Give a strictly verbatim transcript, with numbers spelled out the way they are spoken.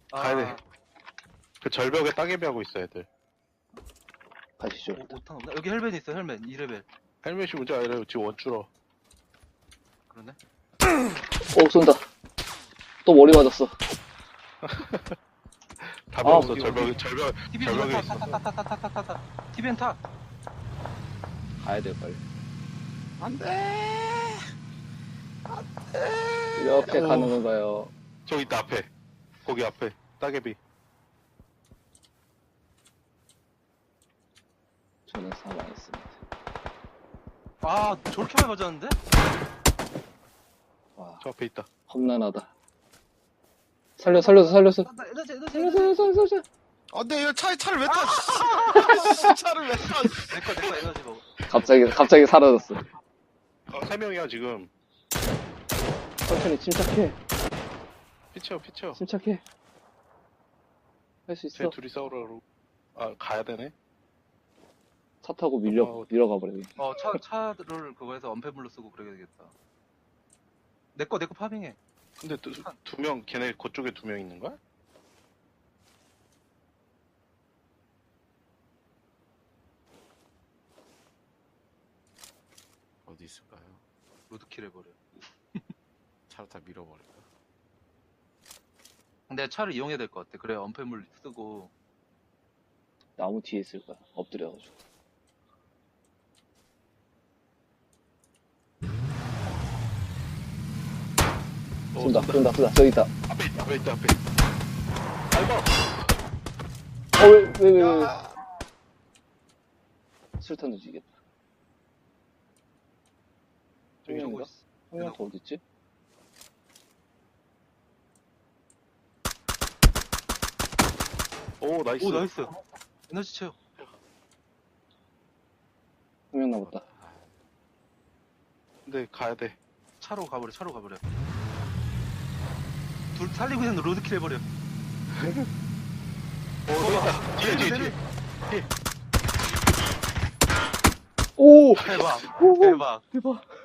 아, 가야 돼. 그 절벽에 따개비 하고 있어, 애들. 가시죠. 오, 오탄 없나? 여기 헬멧 있어, 헬멧. 이 레벨. 헬멧이 문제 아니라 지금 원줄어. 그러네. 오, 쏜다. 또 머리 맞았어. 다 아, 배웠어, 여기, 절벽, 여기. 절벽, 티비엔 절벽에 타, 있어. 타, 타, 타, 타, 타, 타, 타, 타. 티비엔 타. 가야 돼, 빨리. 안 돼! 이렇게 오. 가는 건가요? 저기 있다, 앞에. 거기 앞에. 따개비. 저는 사망했습니다. 아, 저렇게 많이 맞았는데? 와, 저 앞에 있다. 험난하다. 살려, 살려서, 살려서. 아, 나 에너지, 에너지, 살려서, 에너지. 살려서, 살려서. 안 돼, 이거 차, 차를 왜 타? 씨. 차를 왜 타? 내 거, 내 거 에너지 먹어. 갑자기, 갑자기 사라졌어. 어, 세 명이야, 지금. 천천히 침착해. 피쳐, 피쳐. 침착해. 할 수 쟤 있어. 둘이 싸우러 그러고. 아, 가야 되네. 차 타고 밀려, 어, 밀어가 버려. 어, 차, 차를 그거에서 언패물로 쓰고 그래야 되겠다. 내 거, 내 거 파밍해. 근데 두, 두 명, 걔네 그쪽에 두 명 있는 거야? 어디 있을까요? 로드킬 해버려. 차를 다 밀어버릴까? 근데 차를 이용해야 될 것 같아. 그래, 언패물 쓰고. 나무 뒤에 있을 거야. 엎드려가지고. 어, 쏜다, 쏜다, 쏜다. 저기 있다. 앞에 있다, 앞에 있다, 앞에. 밟아! 어, 왜, 왜, 왜, 왜. 술탄 던지겠다. 저기 쏘고 형인가? 있어. 형한테 어딨지? 오, 나이스. 오, 나이스. 에너지 채워. 한 명 남았다. 근데 가야 돼. 차로 가버려, 차로 가버려. 둘 살리고 있는 로드킬 해버려. 오, 저기 있다. 뒤에, 뒤에, 뒤에. 오! 대박. 오! 대박. 대박.